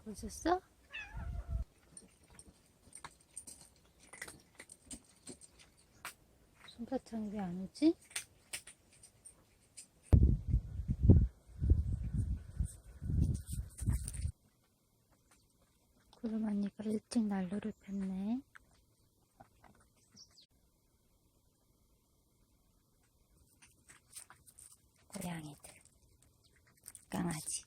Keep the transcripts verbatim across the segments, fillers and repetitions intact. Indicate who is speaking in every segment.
Speaker 1: 자고 있었어? 솜사탕이 왜 안 오지? 구름 언니가 일찍 난로를 폈네. 고양이들, 강아지.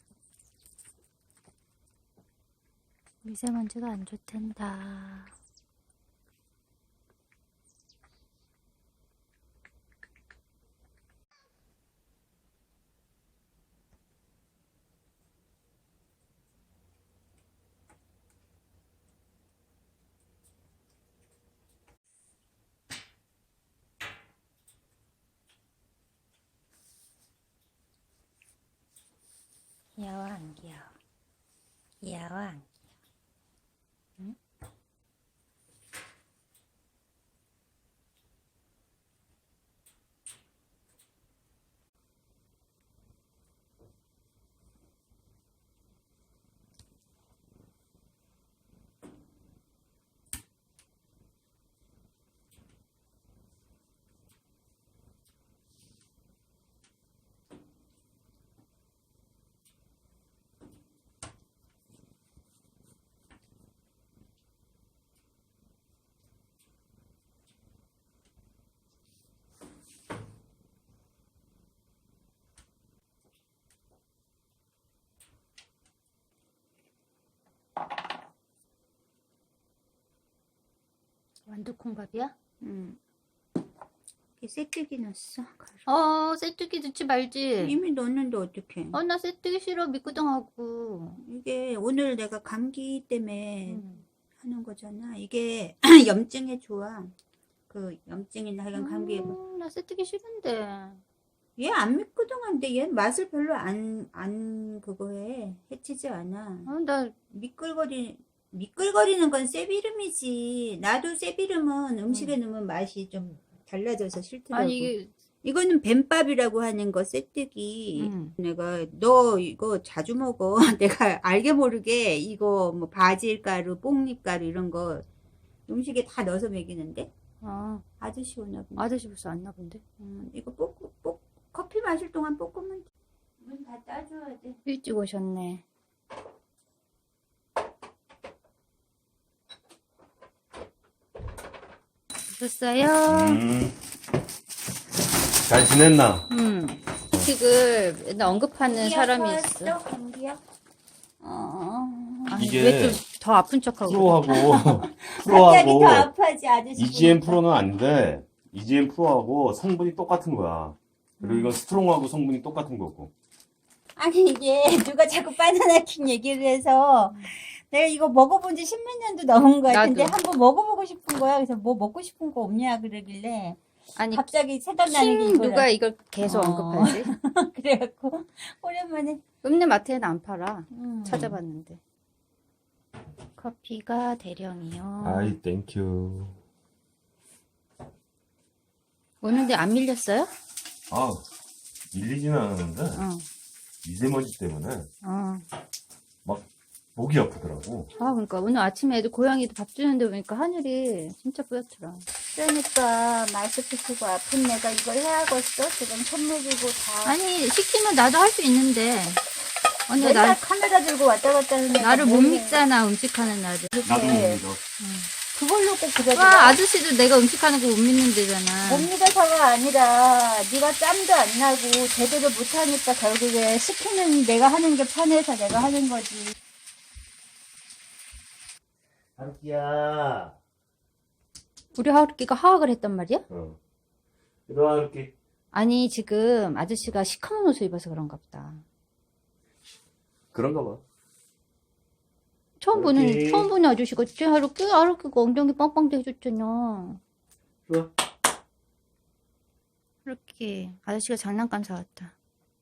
Speaker 1: 미세먼지가 안 좋단다. 귀여워 안 귀여워? 귀여워 안 귀여워? 응? 완두콩밥이야?
Speaker 2: 응. 이게 쇠뜨기 넣었어.
Speaker 1: 어, 쇠뜨기 넣지 말지.
Speaker 2: 이미 넣었는데 어떡해.
Speaker 1: 어, 나 쇠뜨기 싫어. 미끄덩하고.
Speaker 2: 이게 오늘 내가 감기 때문에
Speaker 1: 음.
Speaker 2: 하는 거잖아. 이게 염증에 좋아. 그 염증이나 하여간 감기에.
Speaker 1: 음, 나 쇠뜨기 싫은데.
Speaker 2: 얘 안 미끄덩한데 얘 맛을 별로 안, 안 그거 해. 해치지 않아.
Speaker 1: 어, 나
Speaker 2: 미끌거리, 미끌거리는 건 쇠비름이지. 나도 쇠비름은 음식에 넣으면 맛이 좀 달라져서 싫더라고.
Speaker 1: 아니 이게
Speaker 2: 이거는 뱀밥이라고 하는 거 쇠뜨기.
Speaker 1: 음.
Speaker 2: 내가 너 이거 자주 먹어. 내가 알게 모르게 이거 뭐 바질가루, 뽕잎가루 이런 거 음식에 다 넣어서 먹이는데
Speaker 1: 아,
Speaker 2: 아저씨 오나 보네.
Speaker 1: 아저씨 벌써 왔나 본데.
Speaker 2: 음, 이거 볶, 볶, 커피 마실 동안 볶으면 문 다 따줘야 돼.
Speaker 1: 일찍 오셨네. 오셨어요?
Speaker 3: 음, 잘 지냈나?
Speaker 1: 음. 음식을 맨날 언급하는 사람이 있어.
Speaker 2: 감기야?
Speaker 1: 어. 아니,
Speaker 3: 이게
Speaker 1: 왜 좀 더 아픈 척하고.
Speaker 3: 프로하고,
Speaker 2: 갑자기
Speaker 3: 프로하고,
Speaker 2: 더 아파지 아저씨.
Speaker 3: 이지엠
Speaker 2: 보니까.
Speaker 3: 프로는 아닌데, 이지엠 프로하고 성분이 똑같은 거야. 그리고 이건 스트롱하고 성분이 똑같은 거고.
Speaker 2: 아니 이게 누가 자꾸 바나나킨 얘기를 해서 내가 이거 먹어본 지 십몇 년도 넘은 거 같은데
Speaker 1: 나도.
Speaker 2: 한번 먹어보고 싶은 거야. 그래서 뭐 먹고 싶은 거 없냐 그러길래
Speaker 1: 아니,
Speaker 2: 갑자기 생각나는 게
Speaker 1: 킴
Speaker 2: 이거라.
Speaker 1: 누가 이걸 계속
Speaker 2: 어.
Speaker 1: 언급하지?
Speaker 2: 그래갖고 오랜만에
Speaker 1: 읍내 마트에는 안 팔아.
Speaker 2: 음.
Speaker 1: 찾아봤는데. 커피가 대령이요.
Speaker 3: 아이, 땡큐.
Speaker 1: 오는데 안 밀렸어요?
Speaker 3: 아, 밀리지는 않았는데,
Speaker 1: 어.
Speaker 3: 미세먼지 때문에
Speaker 1: 어.
Speaker 3: 막 목이 아프더라고.
Speaker 1: 아, 그러니까 오늘 아침에 애들 고양이도 밥 주는데 보니까 하늘이 진짜 뿌옇더라.
Speaker 2: 그러니까 마스크 쓰고 아픈 내가 이걸 해야겠어. 지금 손목이고 다.
Speaker 1: 아니, 시키면 나도 할 수 있는데. 언니,
Speaker 2: 맨날
Speaker 1: 나,
Speaker 2: 카메라 들고 왔다 갔다 하는 애가
Speaker 1: 나를 못
Speaker 2: 뭐해.
Speaker 1: 믿잖아, 음식하는 나를.
Speaker 3: 나도 못
Speaker 2: 그렇게
Speaker 3: 믿어.
Speaker 2: 그걸로 꼭
Speaker 1: 와,
Speaker 2: 그러더라.
Speaker 1: 아저씨도 내가 음식하는 거 못 믿는데잖아.
Speaker 2: 못 믿어서가 아니라 네가 짬도 안 나고 제대로 못하니까 결국에 시키는 내가 하는 게 편해서 내가 하는 거지.
Speaker 3: 하루키야.
Speaker 1: 우리 하루키가 하악을 했단 말이야?
Speaker 3: 어. 일어나, 하루키.
Speaker 1: 아니, 지금 아저씨가 시커먼 옷을 입어서 그런가 보다.
Speaker 3: 그런가 봐.
Speaker 1: 처음 보는,
Speaker 3: 하루키.
Speaker 1: 처음 보는 아저씨가 쟤 하루키, 하루키가 엉덩이 빵빵 해줬잖아.
Speaker 3: 좋아.
Speaker 1: 하루키, 아저씨가 장난감 사왔다.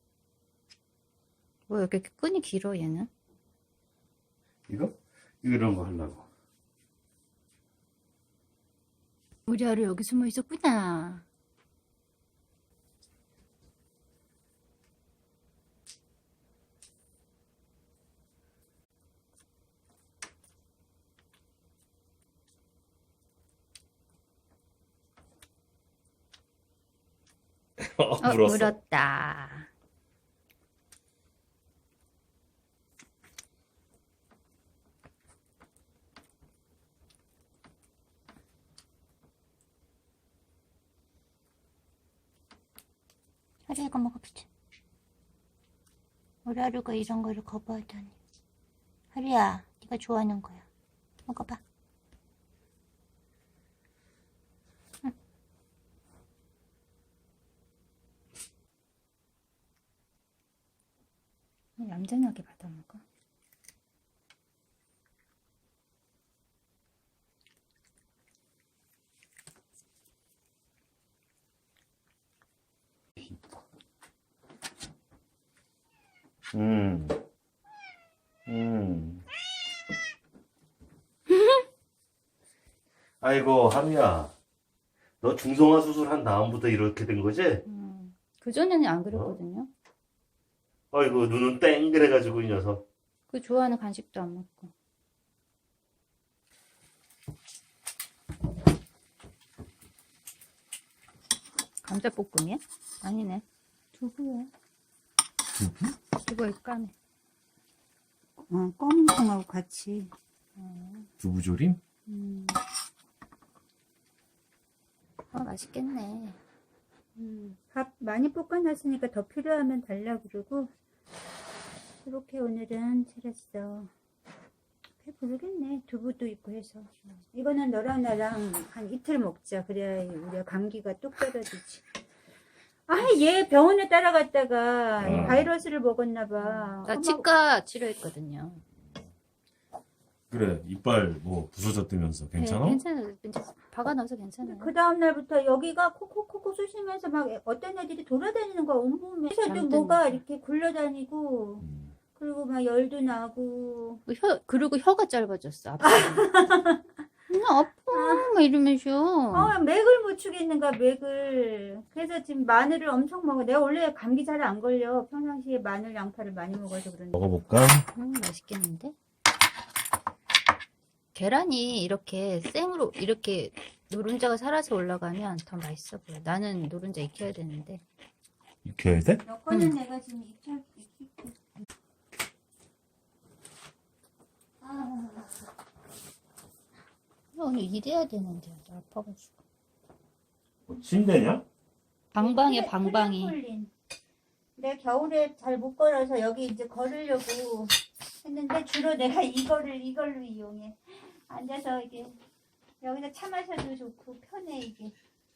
Speaker 1: 뭐, 이렇게 끈이 길어, 얘는?
Speaker 3: 이거? 이런 거 하려고.
Speaker 1: 우리 하루 여기 숨어 있었구나.
Speaker 3: 어,
Speaker 1: 어,
Speaker 3: 물었어.
Speaker 1: 물었다. 하루야, 이거 먹어보자. 우리 하루가 이런 거를 거부하다니. 하루야, 네가 좋아하는 거야. 먹어봐. 응. 얌전하게 받아 먹어.
Speaker 3: 음. 음. 아이고, 하루야. 너 중성화 수술한 다음부터 이렇게 된 거지?
Speaker 1: 음. 그전에는 안 그랬거든요.
Speaker 3: 아이고, 눈은 땡 그래가지고, 이 녀석.
Speaker 1: 그 좋아하는 간식도 안 먹고. 감자볶음이야? 아니네. 두부야. 두부에 까네.
Speaker 2: 어, 검은 콩하고 같이.
Speaker 3: 두부조림?
Speaker 1: 음. 아, 맛있겠네.
Speaker 2: 음, 밥 많이 볶아놨으니까 더 필요하면 달라 그러고 이렇게 오늘은 차렸어. 배부르겠네. 두부도 있고 해서. 이거는 너랑 나랑 한 이틀 먹자. 그래야 우리가 감기가 뚝 떨어지지. 아, 얘 병원에 따라갔다가
Speaker 3: 음.
Speaker 2: 바이러스를 먹었나 봐.
Speaker 1: 나
Speaker 2: 어머,
Speaker 1: 치과 치료했거든요.
Speaker 3: 그래, 이빨 뭐 부서졌다면서. 괜찮아?
Speaker 1: 네, 괜찮아요. 괜찮아요. 박아 넣어서 괜찮아요.
Speaker 2: 그 다음 날부터 여기가 콕콕콕콕 쑤시면서 막 어떤 애들이 돌아다니는 거야. 온몸에. 그래서도
Speaker 1: 잠든
Speaker 2: 뭐가
Speaker 1: 거.
Speaker 2: 이렇게 굴러다니고
Speaker 3: 음.
Speaker 2: 그리고 막 열도 나고.
Speaker 1: 그 혀, 그리고 혀가 짧아졌어. 아파. 나 아파. 막 이러면서.
Speaker 2: 어, 맥을 못 추겠는가, 맥을. 그래서 지금 마늘을 엄청 먹어. 내가 원래 감기 잘 안 걸려. 평상시에 마늘, 양파를 많이 먹어서 그런데.
Speaker 3: 먹어볼까?
Speaker 1: 음, 맛있겠는데? 계란이 이렇게 생으로, 이렇게 노른자가 살아서 올라가면 더 맛있어 보여. 나는 노른자 익혀야 되는데.
Speaker 3: 익혀야 돼?
Speaker 2: 너 거는
Speaker 1: 응.
Speaker 2: 내가 지금 익혀, 익힐게. 아,
Speaker 1: 오늘 일해야 되는데. 나 아파가지고.
Speaker 3: 뭐, 침대냐?
Speaker 1: 방방이야,
Speaker 2: 트램-
Speaker 1: 방방이.
Speaker 2: 트램폴린. 내 겨울에 잘 못 걸어서 여기 이제 걸으려고 했는데 주로 내가 이거를 이걸로 이용해. 앉아서 이게 여기서 차 마셔도 좋고 편해 이게.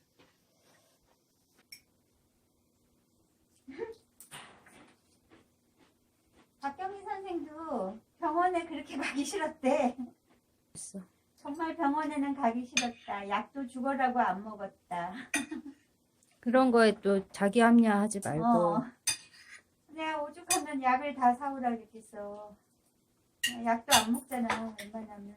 Speaker 2: 박경희 선생도 병원에 그렇게 가기 싫었대.
Speaker 1: 있어.
Speaker 2: 정말 병원에는 가기 싫었다. 약도 죽어라고 안 먹었다.
Speaker 1: 그런 거에 또 자기 합리화하지 말고.
Speaker 2: 어. 내가 오죽하면 약을 다 사오라 그랬겠어. 약도 안 먹잖아, 웬만하면.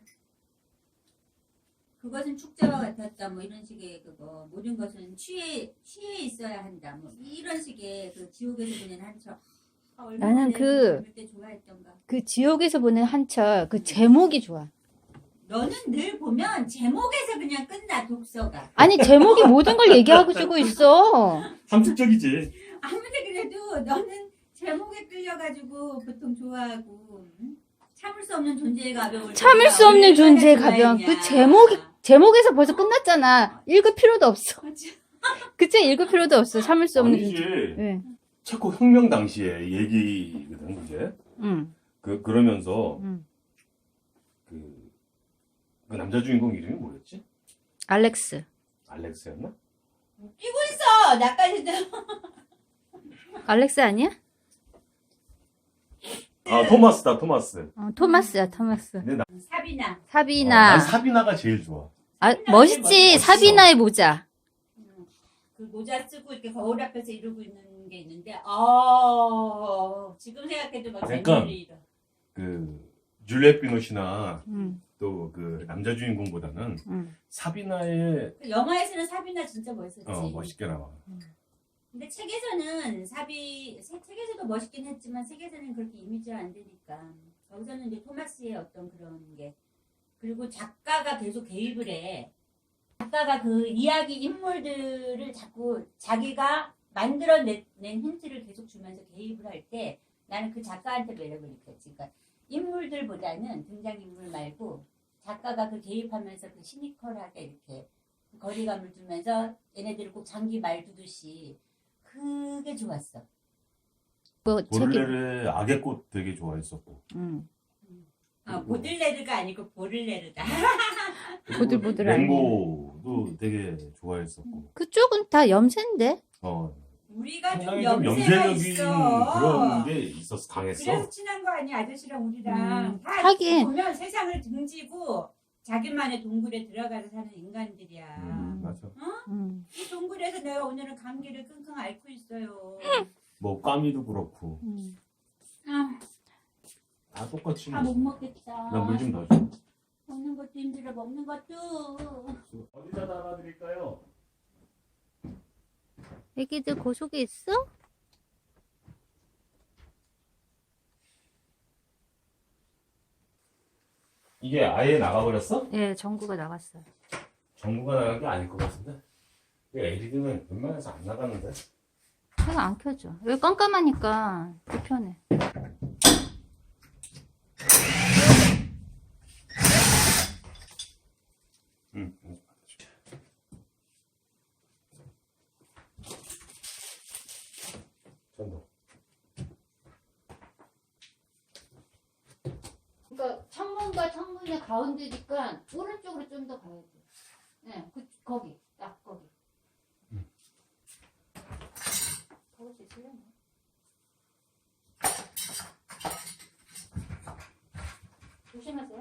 Speaker 4: 그것은 축제와 같았다 뭐 이런 식의 그거 모든 것은 취해 취해 있어야 한다 뭐 이런 식의 그 지옥에서 보낸 한철 아, 얼마나
Speaker 1: 나는
Speaker 4: 내가
Speaker 1: 그-
Speaker 4: 그걸 때 좋아했던가.
Speaker 1: 그 지옥에서 보낸 한철, 그 제목이 좋아.
Speaker 4: 너는 늘 보면 제목에서 그냥 끝나 독서가.
Speaker 1: 아니, 제목이 모든 걸 얘기하고 주고 있어.
Speaker 3: 함축적이지.
Speaker 4: 아무리 그래도 너는 제목에 끌려가지고 보통 좋아하고 응? 참을 수 없는 존재의 가벼울
Speaker 1: 참을 수 없는 존재의 가벼움. 그 제목이, 제목에서 벌써 끝났잖아. 읽을 필요도 없어. 그치? 읽을 필요도 없어. 참을 수 없는
Speaker 3: 아니지.
Speaker 1: 존재. 네.
Speaker 3: 체코 혁명 당시에 얘기거든, 그게.
Speaker 1: 응.
Speaker 3: 그, 그러면서,
Speaker 1: 응.
Speaker 3: 그, 그 남자 주인공 이름이 뭐였지?
Speaker 1: 알렉스.
Speaker 3: 알렉스였나?
Speaker 4: 뛰고 있어 나까지도.
Speaker 1: 알렉스 아니야?
Speaker 3: 아, 토마스다, 토마스.
Speaker 1: 어, 토마스야, 토마스.
Speaker 3: 근데 나,
Speaker 4: 사비나.
Speaker 3: 어,
Speaker 1: 사비나.
Speaker 3: 난 사비나가 제일 좋아.
Speaker 1: 아, 멋있지?
Speaker 3: 멋있어.
Speaker 1: 사비나의 모자.
Speaker 4: 그 모자 쓰고 이렇게 거울 앞에서 이러고 있는 게 있는데, 어 지금 생각해도 막
Speaker 3: 약간
Speaker 4: 재미를 잃어.
Speaker 3: 그, 줄리엣 비노시나
Speaker 1: 응,
Speaker 3: 또 그 남자 주인공보다는
Speaker 1: 응.
Speaker 3: 사비나의,
Speaker 4: 그 영화에서는 사비나 진짜 멋있었지.
Speaker 3: 어, 멋있게 나와.
Speaker 4: 근데 책에서는 사비 세- 책에서도 멋있긴 했지만 책에서는 그렇게 이미지가 안 되니까 여기서는 이제 토마스의 어떤 그런 게 그리고 작가가 계속 개입을 해. 작가가 그 이야기 인물들을 자꾸 자기가 만들어낸 힌트를 계속 주면서 개입을 할 때 나는 그 작가한테 매력을 느꼈지. 그러니까 인물들보다는 등장인물 말고 작가가 그 개입하면서 그 시니컬하게 이렇게 거리감을 두면서 얘네들을 꼭 장기 말두듯이 그게 좋았어.
Speaker 1: 뭐 저기
Speaker 3: 보를레르 악의 꽃 되게 좋아했었고.
Speaker 1: 음.
Speaker 4: 아, 보들레르가 아니고 보를레르다.
Speaker 1: 보들보들하네.
Speaker 3: 맹고도 되게 좋아했었고.
Speaker 1: 그쪽은 다 염세인데.
Speaker 3: 어.
Speaker 4: 우리가 좀
Speaker 3: 상당히 좀
Speaker 4: 염세가
Speaker 3: 염세적인
Speaker 4: 있어.
Speaker 3: 그런 게 있었어. 강했어.
Speaker 4: 그래서 친한 거 아니야 아저씨랑 우리랑.
Speaker 1: 음,
Speaker 4: 다
Speaker 1: 하긴.
Speaker 4: 보면 세상을 등지고 자기만의 동굴에 들어가서 사는 인간들이야.
Speaker 3: 음, 맞아.
Speaker 1: 음.
Speaker 4: 이 동굴에서 내가 오늘은 감기를 끙끙 앓고 있어요.
Speaker 3: 뭐 까미도 그렇고.
Speaker 1: 음.
Speaker 4: 아,
Speaker 3: 다 똑같이.
Speaker 4: 다 못 먹겠다.
Speaker 3: 나 물 좀 더 줘.
Speaker 4: 먹는 것도 힘들어 먹는 것도.
Speaker 3: 어디다 달아드릴까요?
Speaker 1: 애기들 그 속에 있어?
Speaker 3: 이게 아예 나가버렸어?
Speaker 1: 예, 전구가 나갔어요.
Speaker 3: 전구가 나간 게 아닐 것 같은데. 엘이디는 웬만해서 안 나가는데.
Speaker 1: 해가 안 켜져. 여기 깜깜하니까 불편해.
Speaker 3: 응. 전도.
Speaker 1: 그러니까 창문과 창문의 가운데니까 오른쪽으로 좀 더 가야 돼. 네, 그 거기 딱 거기.
Speaker 3: 응.
Speaker 1: 거기 수 있어요? 조심하세요.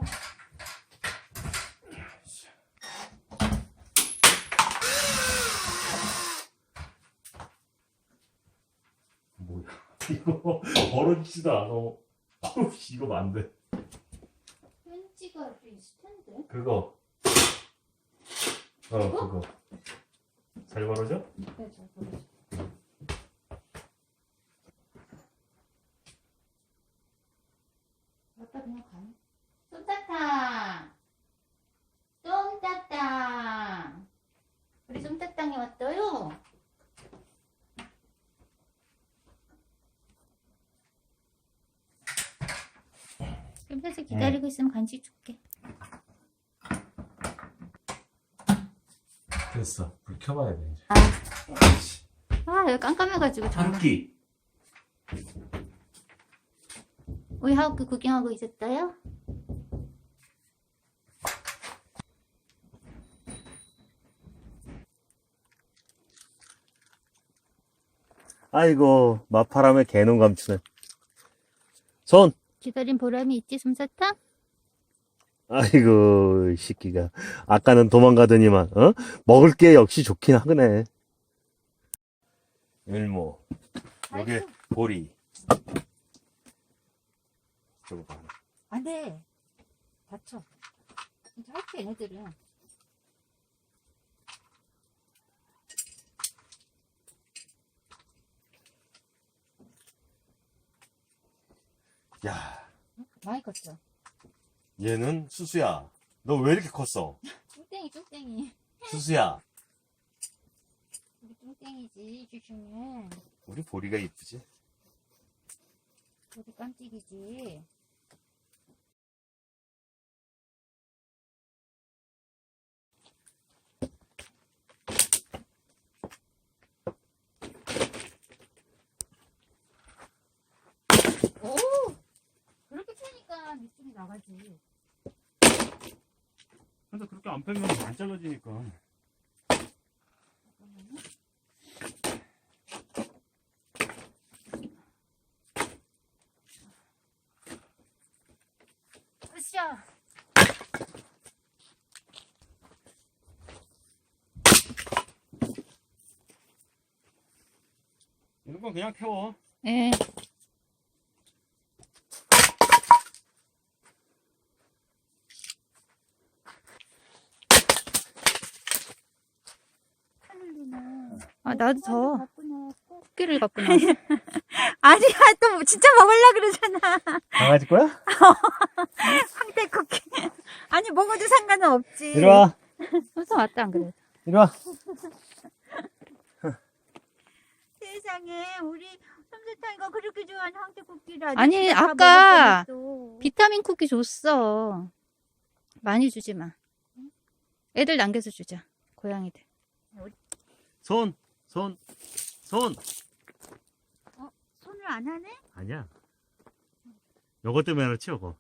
Speaker 3: 뭐야? 이거 벌어지지도 않아. 아우, 이거 안 돼.
Speaker 1: 펜치가 좀 있을 텐데.
Speaker 3: 그거. 어, 그거. 잘 벌어져?
Speaker 1: 네, 잘 보여줘. 아빠 그냥 가요. 솜사탕! 솜사탕! 우리 솜사탕이 왔어요. 옆에서 기다리고 있으면 간식 줄게.
Speaker 3: 됐어. 불 켜봐야 돼, 이제.
Speaker 1: 아, 여기 깜깜해가지고 정말.
Speaker 3: 한 끼.
Speaker 1: 우리 하우크 구경하고 있었어요?
Speaker 3: 아이고, 마파람에 개놈 감추네. 손!
Speaker 1: 기다린 보람이 있지, 솜사탕?
Speaker 3: 아이고, 이 새끼가. 아까는 도망가더니만, 어? 먹을 게 역시 좋긴 하네. 일모. 여기 보리. 저거 봐.
Speaker 1: 안 돼. 다쳐. 이제 할게, 얘네들은.
Speaker 3: 야,
Speaker 1: 많이 컸어.
Speaker 3: 얘는 수수야. 너 왜 이렇게 컸어?
Speaker 1: 뚱땡이, 뚱땡이.
Speaker 3: 수수야.
Speaker 1: 우리 뚱땡이지, 슈슈는.
Speaker 3: 우리 보리가 이쁘지?
Speaker 1: 우리 깜찍이지. 오! 그렇게 펴니까 밑줄이 나가지.
Speaker 3: 근데 그렇게 안 빼면 안 잘라지니까.
Speaker 1: 으쌰!
Speaker 3: 이런 건 그냥 태워.
Speaker 1: 예. 아, 나도 더 토끼를 갖고 나왔어.
Speaker 2: 아니야, 또 진짜 먹으려 그러잖아.
Speaker 3: 강아지 거야?
Speaker 2: 황태 쿠키. 아니, 먹어도 상관은 없지.
Speaker 3: 이리 와.
Speaker 1: 손수 왔다, 안 그래?
Speaker 3: 이리 와.
Speaker 2: 세상에 우리 솜사탕이가 그렇게 좋아하는 황태국기를 아직
Speaker 1: 아니,
Speaker 2: 다
Speaker 1: 아까
Speaker 2: 먹을 뻔했어.
Speaker 1: 비타민 쿠키 줬어. 많이 주지 마. 애들 남겨서 주자. 고양이들.
Speaker 3: 손, 손, 손.
Speaker 2: 손을 안 하네?
Speaker 3: 아니야. 요거 때문에 그렇지, 요거.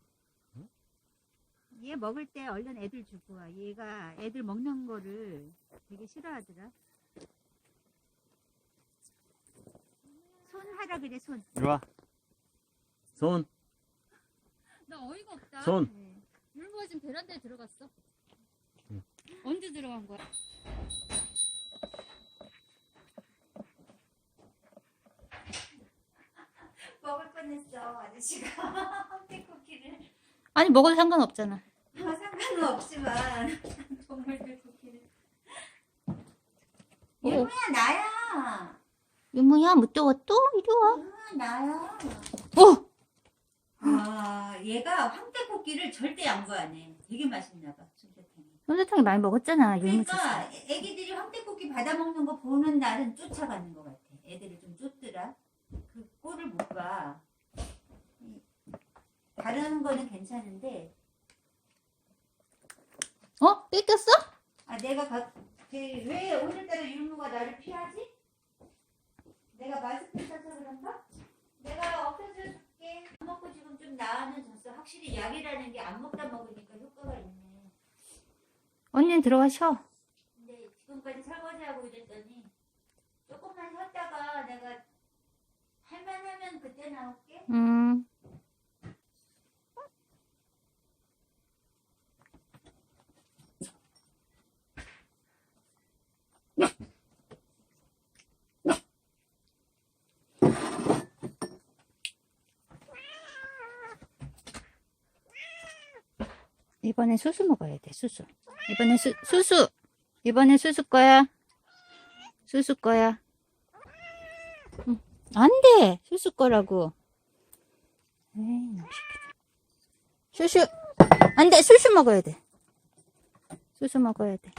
Speaker 2: 얘 먹을 때 얼른 애들 주고 와. 얘가 애들 먹는 거를 되게 싫어하더라. 손 하라 그래, 손.
Speaker 3: 이리 와. 손,
Speaker 1: 나 어이가 없다.
Speaker 3: 손.
Speaker 2: 네.
Speaker 1: 율무가 지금 베란다에 들어갔어.
Speaker 3: 응.
Speaker 1: 언제 들어간 거야?
Speaker 2: 먹을 뻔했어, 아저씨가. 황태국기를.
Speaker 1: 아니, 먹어도 상관없잖아.
Speaker 2: 아, 상관은 없지만 동물들 국기를.
Speaker 1: 어.
Speaker 2: 얘야 나야.
Speaker 1: 율무야, 무더워 또? 이리 와.
Speaker 2: 아, 나야.
Speaker 1: 어!
Speaker 2: 아, 얘가 황태국기를 절대 양보 안 해. 되게 맛있나 봐, 솜사탕이.
Speaker 1: 솜사탕이 많이 먹었잖아, 율무 줬어.
Speaker 2: 그러니까 애기들이 황태국기 받아 먹는 거 보는 날은 쫓아가는 것 같아. 애들이 좀 쫓더라. 그 꼴을 못 봐. 이- 다른 거는 괜찮은데,
Speaker 1: 어? 뺏겼어?
Speaker 2: 아 내가 가, 그, 왜 오늘따라 율무가 나를 피하지? 내가 마스크 써서 그런가? 내가 엎혀줄게. 안 먹고 지금 좀 나아는 졌어. 확실히 약이라는 게 안 먹다 먹으니까 효과가 있네.
Speaker 1: 언니는 들어가 쉬어.
Speaker 2: 근데 지금까지 설거지하고 이랬더니 조금만 쉬었다가 내가 할만하면 그때 나올게.
Speaker 1: 음. 이번엔 수수 먹어야 돼, 수수. 이번엔 수, 수수! 이번엔 수수 거야. 수수 거야. 응. 안 돼! 수수 거라고. 에이, 너무 시키다. 수수! 안 돼! 수수 먹어야 돼. 수수 먹어야 돼.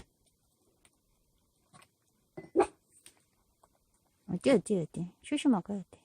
Speaker 1: 어디, 어디, 어디. 수수 먹어야 돼.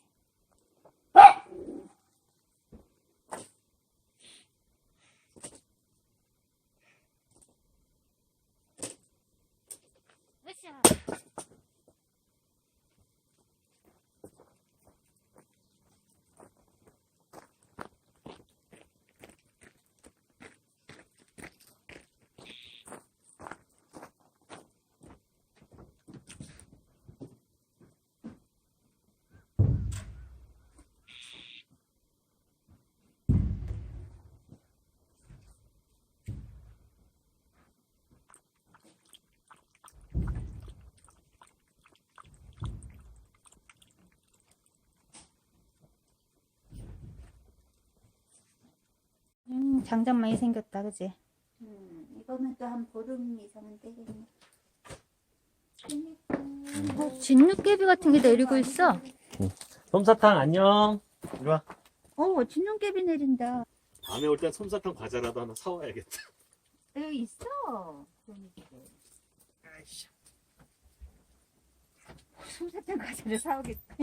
Speaker 1: 음, 장작 많이 생겼다, 그지?
Speaker 2: 음, 이거면 또 한 보름 이상은 되겠네.
Speaker 1: 어, 진눈깨비 같은 게 내리고 있어.
Speaker 3: 솜사탕 안녕. 이리 와.
Speaker 2: 어, 진눈깨비 내린다.
Speaker 3: 다음에 올 땐 솜사탕 과자라도 하나 사와야겠다.
Speaker 2: 여기 있어. 그런 게.
Speaker 3: 아이씨.
Speaker 2: 솜사탕 과자를 사오겠다.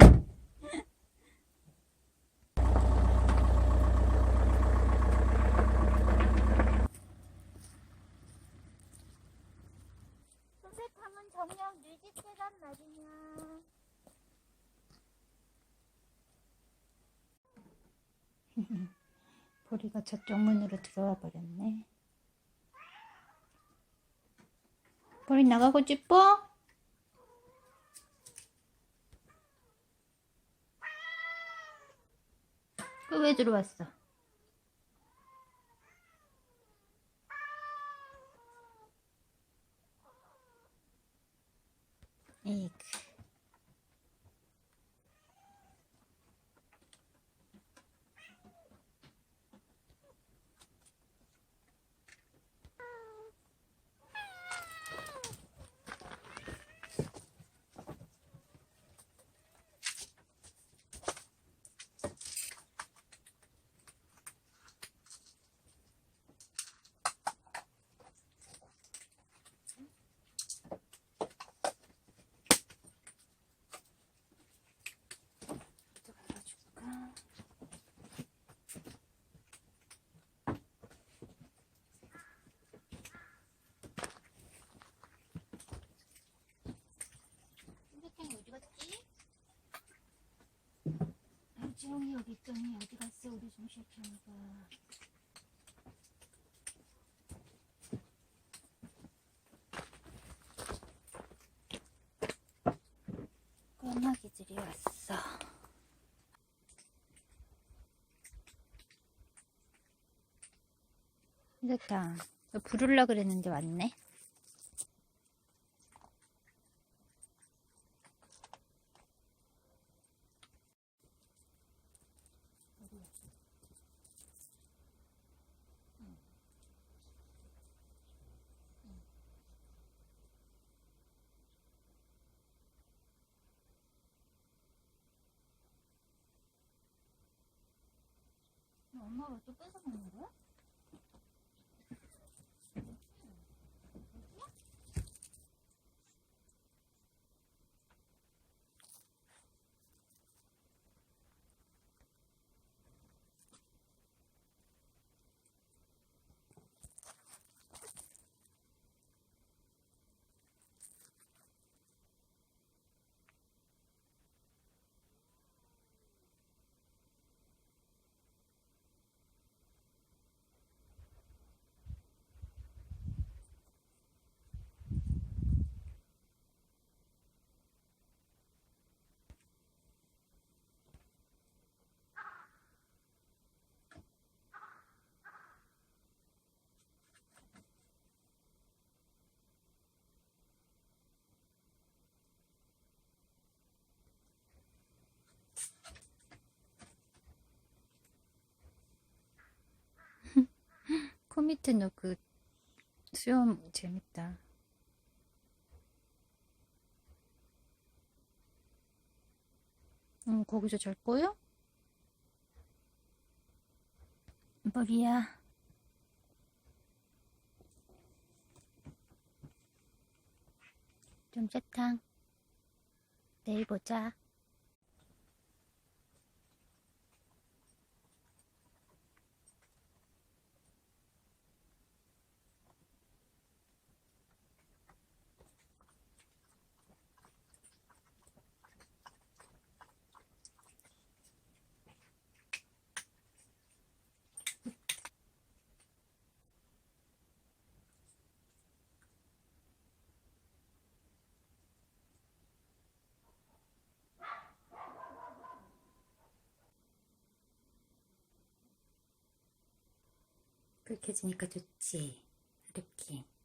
Speaker 2: 솜사탕은 정녕 뮤직대란 말이냐.
Speaker 1: 보리가 저쪽 문으로 들어와 버렸네. 보리 나가고 싶어? 그 왜 들어왔어? 에이그. 수영이 여기 있더니 어디 갔어 우리 숨쉬었잖아. 꼬마기들이 왔어. 됐다. 너 부르려 그랬는데 왔네. 엄마가 또 뺏어 먹는 거야? 코 밑에 너 그 수염 재밌다. 응, 거기서 잘 거요? 머리야. 좀 세탕. 내일 보자. 그렇게 해주니까 좋지. 이렇게.